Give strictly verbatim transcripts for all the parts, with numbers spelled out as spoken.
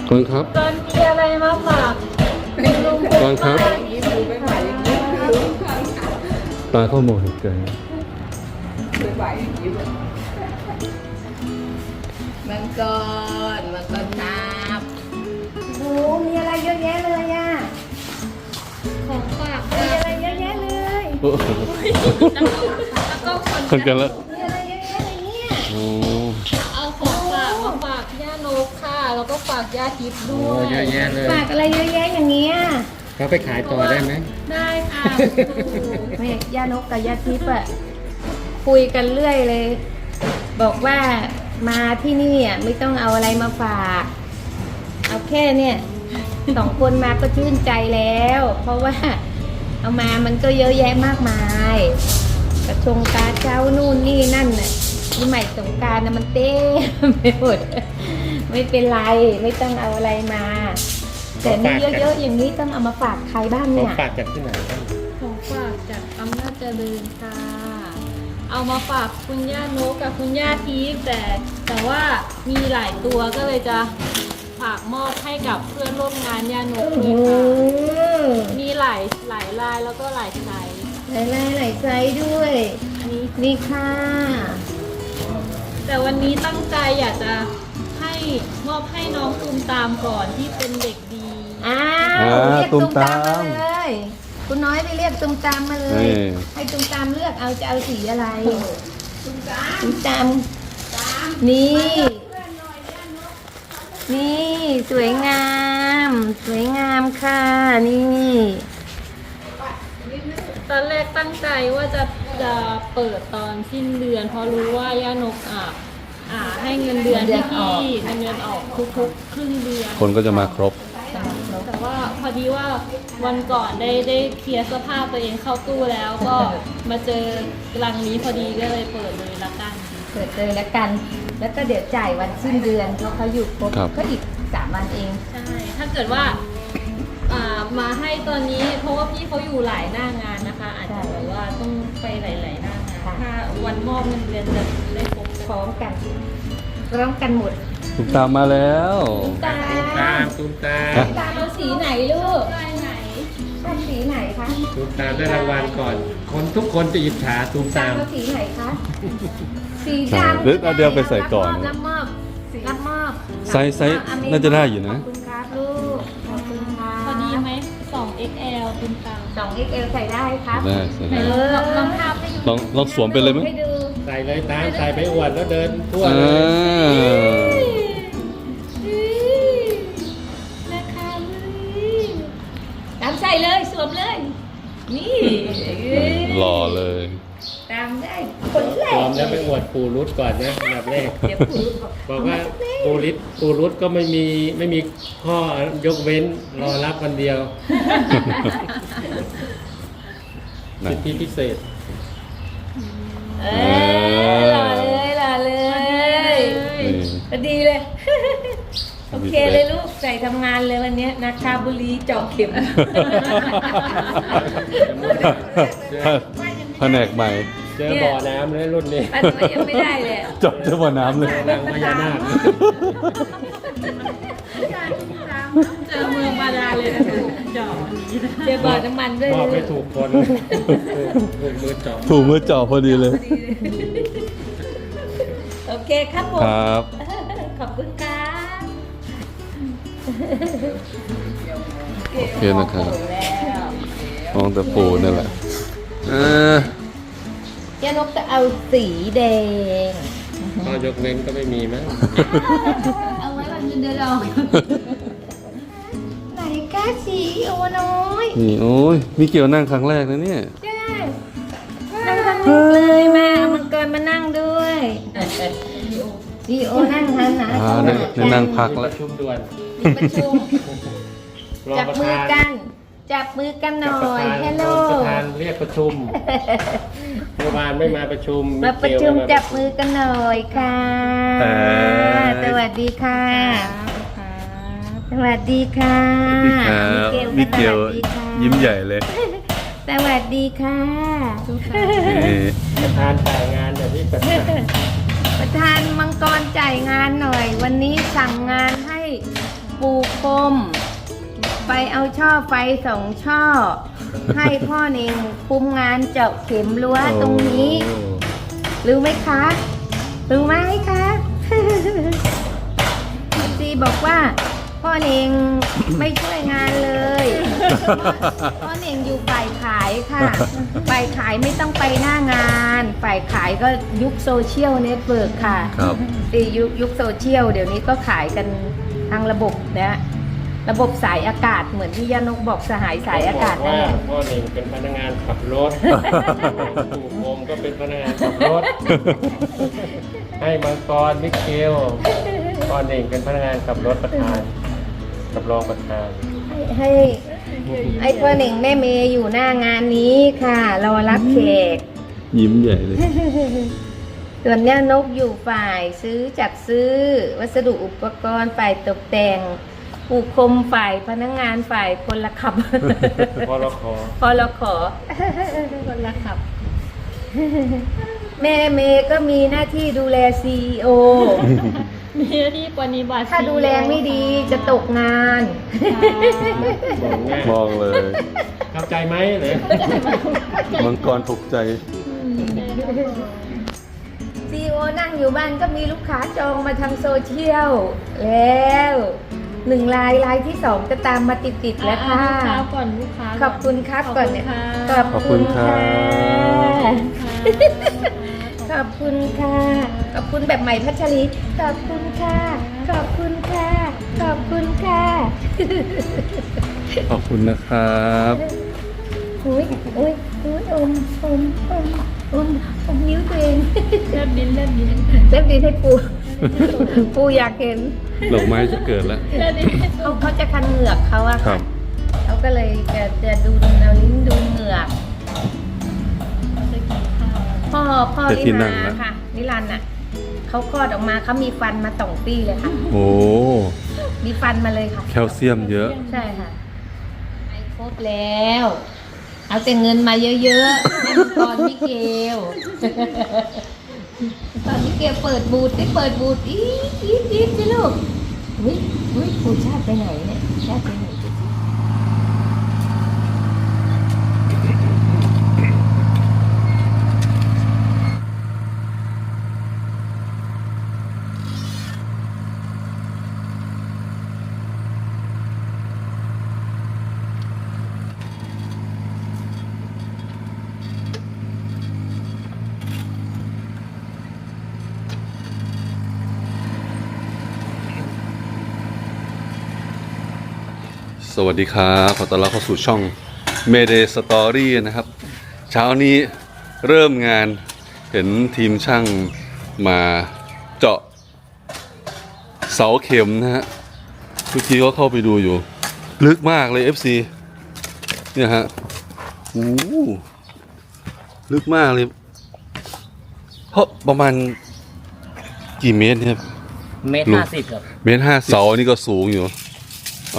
ก่อนครับตอนมีอะไรมาฝากลุงก่อนครับตาเข้าโมหิตใจมังกรมังกรน้ำโอ้มีอะไรเยอะแยะเลยอ่ะของฝากมีอะไรเยอะแยะเลยโอ้โหแล้วก็คนคนกันแล้วมีอะไรเยอะแยะเลยเนี่ยโอ้เอาของฝากมาฝากย่านกค่ะ แล้วก็ฝากย่าทิพย์ด้วโอ้ยเยอะแยะเลยฝากอะไรเยอะแยะอย่างเงี้ยเขาไปขายต่อได้ไหมได้ค่ะแม่ย่านกกับย่าทิพย์อะคุยกันเรื่อยเลย บอกว่ามาที่นี่อ่ะไม่ต้องเอาอะไรมาฝาก เอาแค่เนี่ยสองคนมาก็ชื่นใจแล้ว เพราะว่าเอามามันก็เยอะแยะมากมายกระชงกาเจ้านู่นนี่นั่นน่ะที่ใหม่สงกรารนะมันเต้มไปหมดไม่เป็นไรไม่ต้องเอาอะไรมา แต่นี่เยอะๆอย่างนี้ต้องเอามาฝากใครบ้างเขาเนี่ยฝากจากที่ไหนบ้างของฝากจากอำนาจเจริญค่ะ เอามาฝากคุณย่านกกับคุณย่าทิพย์แต่แต่ว่ามีหลายตัวก็เลยจะฝากมอบให้กับเพื่อนร่วมงานย่านกโอ้ด้โหวยค่ะ มีหลายหลายลายแล้วก็หลายไซส์หลายลายหลายไซส์ด้วยนี่นี่ค่ะแต่วันนี้ตั้งใจอยากจะให้มอบให้น้องตูมตามก่อนที่เป็นเด็กดีอ้าวเรียกตุ้มตามมาเลยคุณน้อยไปเรียกตุ้มตามมาเลย ให้ตุ้มตามเลือกเอาจะเอาสีอะไรตุ้มตามนี่ นี่สวยงาม สวยงามค่ะนี่ตอนแรกตั้งใจว่าจะจะเปิดตอนสิ้นเดือน เพราะรู้ว่าย่านกอ่ะอ่าให้เงินเดือนที่พี่เงินเดือนออกทุกๆครึ่งเดือนคนก็จะมาครบแต่ว่าพอดีว่าวันก่อนได้ได้เคลียร์เสื้อผ้าตัวเองเข้าตู้แล้วก็มาเจอกลังนี้พอดีก็เลยเปิดเลยละกันเปิดเลยแล้วกัน แล้วก็เดี๋ยวจ่ายวันสิ้นเดือนเพราะเขาอยู่ครบครับก็อีกสามวันเองใช่ ถ้าเกิดว่าอ่ามาให้ตอนนี้เพราะว่าพี่เขาอยู่หลายหน้างานนะคะ อาจจะแบบว่าต้องไปหลายๆหน้างานค่ะถ้าวันมอบเงินเดือนจะได้ครบพร้อมกันพร้อมกันหมดตุมตามมาแล้วตาตูมตามตูมตามฮะตามเอาสีไหนลูกได้ไหนชอบสีไหนคะตูมตามได้รางวัลก่อน คนทุกคนจะอิจฉาตูมตาตาม มเอาสีไหนคะสีใช่ดำหรือเอาเดี๋ยวไปใส่ก่อนรับมอบรับมอบไซส์ไซส์น่าจะได้อยู่นะขอบคุณครับลูกขอบคุณค่ะพอดีไหม สอง เอ็กซ์ แอล คุณตาสอง เอ็กซ์ แอล ใส่ได้ครับได้ใส่ไหนได้ลองลองลองภาพให้ดูลองลองสวมไปเลยไหมให้ดูใส่เลยตามใส่ไปอวดแล้วเดินทั่วอ่เลยาราคาเลยตามใส่เลยสวมเลย นี่หล่อเลยตามได้คนแรพร้กอมแล้วไปอวดปูรุดก่อนนะอันดับแรกเดี๋ยวปู่บอกบอกว่าปูริดปูรุดก็ไม่มีไม่มีข้อยกเว้นรอรับวันเดียวนะสิทธิพิเศษเออหล่อเลยหล่อเลยนี่พอดีเลย โอเคเลยลูกใส่ทำงานเลยวันเนี้ยนาคาบุรีเจาะเข็มแผนกใหม่เจอบ่อน้ำเลยรุ่นนี้ปันมายังไม่ได้เลยจบเจ้าบ่อน้ำเลยนางพญานาคเจอเมืองบาดาลเลยนะคะจอวันนี้นะเจอบ่อน้ำมันด้วยมอบลูไม่กถูกคนถูกมือเจาะถูกมือเจาะพอดีเลยโอเคครับผมครับขอบคุณครับโอเคนะครับแล้วมองแต่ปูนั่นแหละเออเจ้านกจะเอาสีแดงข้อยกเว้นก็ไม่มีมั้งเอาไว้วันเงินเดือนเราไหนก้าสีโอน้อยนี่โอ้ยมีเกี่ยวนั่งครั้งแรกนะเนี่ยใช่นั่งทั้งลูกเลยแม่เอามังกรมานั่งด้วยดีโอนั่งทันนะอ่าได้ได้นั่งพักมีแล้วประชุมด่วนมีประชุมรองจับประมือธานกัน จับมือกันหจับน่อประยธานฮัลโหลรองประธานเรียกประชุมเมื่อวานไม่มาประชุมมาประชุมไเกี่ยวจับมือกันหน่อยค่ะเอ่อสวัสดีค่ะ สวัสดีค่ะมิเกลสวัสดีค่ะยิ้มใหญ่เลยสวัสดีค่ะนี่ประธานจ่ายงานแบบนี้ประธานประธานมังกรจ่ายงานหน่อย วันนี้สั่งงานให้ปูปูพรมไปเอาช่อไฟสองช่อ ให้พ่อเน่งคุมงานเจาะเข็มรั้วตรงนี้ รู้ไหมคะ รู้ไหมคะ พี่ซีบอกว่า พ่อเน่งไม่ช่วยงานเลย พ่อเน่งอยู่ฝ่ายขายค่ะ ฝ่ายขายไม่ต้องไปหน้างาน ฝ่ายขายก็ยุคโซเชียลเน็ตเวิร์กค่ะครับตียุคยุคโซเชียลเดี๋ยวนี้ก็ขายกันทางระบบนะระบบสายอากาศเหมือนที่ย่านกบอกสหายสายอากาศบนั่นว่าแหละพ่อหนึ่งเป็นพนักงานขับรถปู่โคมก็เป็นพนักงานขับรถ ให้มังกรมิเกลพ่อหนึ่งเป็นพนักงานขับรถประธานกับรองประธานให้ให้ไอ้พ่อหนึ่งแม่เมย์อยู่หน้างานนี้ค่ะรอรับแขกยิ้มใหญ่เลยส่วนย่านกอยู่ฝ่ายซื้อจัดซื้อ วัสดุอุปกรณ์ฝ่ายตกแต่งปูคมฝ่ายพนักงานฝ่ายคนละขับพอเราขอพอเราขอ คนละขับ แม่เมย์ก็มีหน้าที่ดูแลซี อี โอมีหน้าที่ปฏิบัติถ้าดูแลไม่ดีจะตกงานบอกง่ายมองเลยเข้าใจไหมเลยมังกรถูกใจซี อี โอ นั่งอยู่บ้านก็มีลูกค้าจองมาทางโซเชียลแล้วหนึ่งลายลายที่สองจะตามมาติดๆแล้วค่ะลูกค้าก่อนลูกค้าขอบคุณครับก่อนเนี่ยขอบคุณค่ะขอบคุณครับขอบคุณค่ะ ขอบคุณแบบใหม่พัชรี ขอบคุณค่ะ ขอบคุณค่ะ ขอบคุณค่ะขอบคุณนะครับอุ้ยอุ้ยอุ้ยอมอมอมอมอมนิ้วตัวเองแลบลิ้นแลบลิ้นเล็บดีให้ปู ปูอยากเห็นดอกไม้จะเกิดแล้วแลบลิ้นเขาเขาจะคันเหงือกเขาอะครัค่ะบเขาก็เลยจะจะดูเอาลิ้นดูเหงือกจะกินข้าวพ่อพ่อจะที่ลินั่งนานะค่ะนิรันดร์น่ะเขาคลอดออกมาเขามีฟันมาสองปีเลยค่ะโอ้มีฟันมาเลยค่ะแคลเซียมเยอะใช่ค่ะไปครบแล้ว เอาแต่เงินมาเยอะๆให้มังกรมิเกล ตอนมิเกลเปิดบูธได้เปิดบูธอีดอีดอีดสิลูกอุ้ยอุ้ยปูชาติไปไหนเนี่ยชาติไปไหนสวัสดีครับขอต้อนรับเข้าสู่ช่อง Mayday Story นะครับ เช้านี้เริ่มงานเห็นทีมช่างมาเจาะเสาเข็มนะฮะทุกทีก็เข้าไปดูอยู่ ลึกมากเลย เอฟ ซี เนี่ยฮะโอ้โหลึกมากเลย เพราะประมาณกี่เมตรเนี่ยเมตรลุงห้าสิบครับเมตรห้าเสานี่ก็สูงอยู่อ๋อ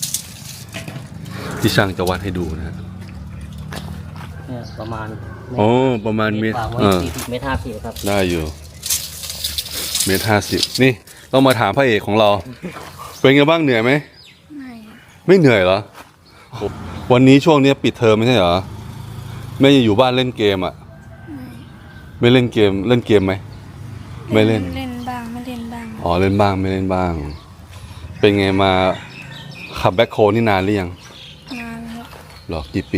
ที่ช่างจะวัดให้ดูนะฮะเนี่ยประมาณโอ้ประมาณเมตรกว่าเออสี่สิบเมตรห้าสิบครับได้อยู่ เมตรห้าสิบนี่ต้องมาถามพระเอกของเรา เป็นไงบ้างเหนื่อยไหมไม่ไม่เหนื่อยเหรอวันนี้ช่วงนี้ปิดเทอมไม่ใช่เหรอแม่ยังอยู่บ้านเล่นเกมอ่ะไม่เล่นเกมเล่นเกมไหมไม่เล่นเล่นบ้างไม่เล่นบ้างอ๋อเล่นบ้างไม่เล่นบ้าง เป็นไงมาขับแบ็คโฮนี่นานหรือยังนานครับหรอกี่ปี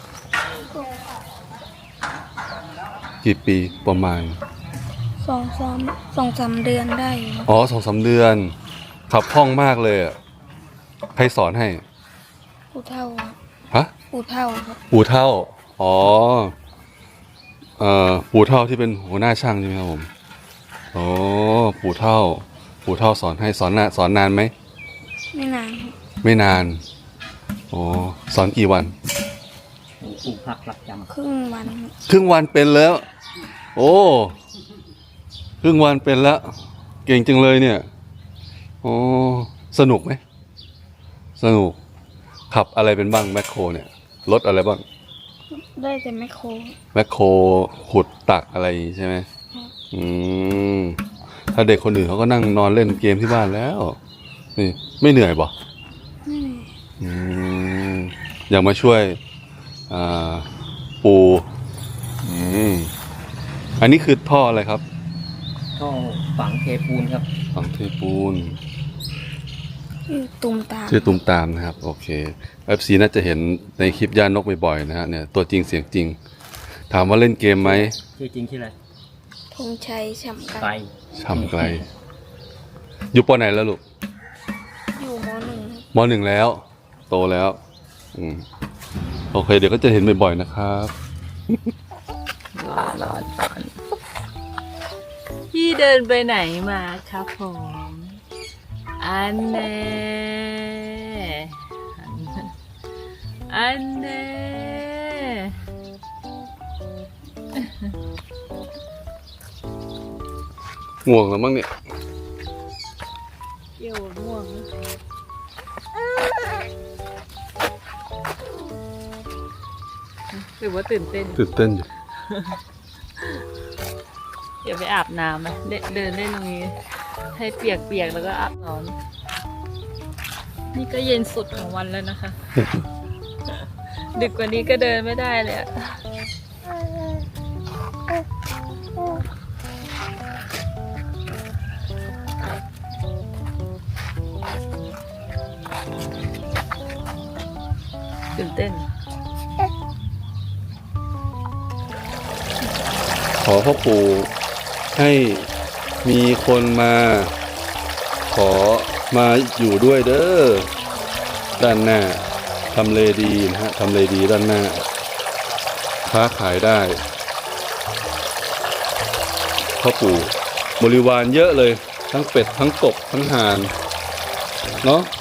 กี่ปีประมาณสองสามสองสามเดือนได้อยู่ครับอ๋อสองสามเดือน ขับคล่องมากเลยอะใครสอนให้ปูเท่าครับฮะปูเท่าครับปู่เท่า อ๋อ เอ่อ ปู่เท่าที่เป็นหัวหน้าช่างใช่ไหมครับผม อ๋อ ปู่เท่า ปู่เท่าสอนให้สอนนานสอนนานไหมไม่นานครับไม่นาน อ๋อ สอนกี่วันปลูกผักหลักจครึ่งวันครับครึ่งวันเป็นแล้ว โอ้ ครึ่งวันเป็นแล้ว เก่งจังเลยเนี่ย อ๋อ สนุกไหม สนุก ขับอะไรเป็นบ้างแมคโครเนี่ย รถอะไรบ้างได้แต่ไม่โครแมคโครขุดตักอะไรใช่ไหม อืม ถ้าเด็กคนอื่นเขาก็นั่งนอนเล่นเกมที่บ้านแล้วนี่ไม่เหนื่อยบ่ไม่เหนื่อยอืมอยากมาช่วยอ่าปูอืมอันนี้คือท่ออะไรครับท่อฝังเทปูนครับฝังเทปูนชื่อตุมตามชื่อตุมตามนะครับ โอเค เอฟ ซี น่าจะเห็นในคลิปย่านกบ่อยๆนะฮะเนี่ยตัวจริงเสียงจริง ถามว่าเล่นเกมไหมชื่อจริงชื่ออะไรธงชัยฉ่ำไกไกลลช่ำไกล อยู่ปอไหนแล้วลูกอยู่มหนึ่งมหนึ่งแล้ว โตแล้ว อืมโอเค เดี๋ยวก็จะเห็นบ่อยๆนะครับพี่เดินไปไหนมาครับผมอันเน่อันเน่ง่วงแล้วมั้งเนี่ยเกี่ยวม่วงนะหรือว่าตื่นเต้นตื่นเต้นอยู่เดี๋ยวไปอาบน้ำไหมเดินเดินเล่นตรงนี้ ให้เปียกๆแล้วก็อาบน้ำนี่ก็เย็นสุดของวันแล้วนะคะ ดึกกว่านี้ก็เดินไม่ได้เลยอะตื่นเต้นขอพ่อปู่ให้มีคนมา ขอมาอยู่ด้วยเด้อด้านหน้าทำเลดีนะฮะทำเลดีด้านหน้า ค้าขายได้พ่อปู่บริวารเยอะเลย ทั้งเป็ด ทั้งกบ ทั้งห่าน เนาะ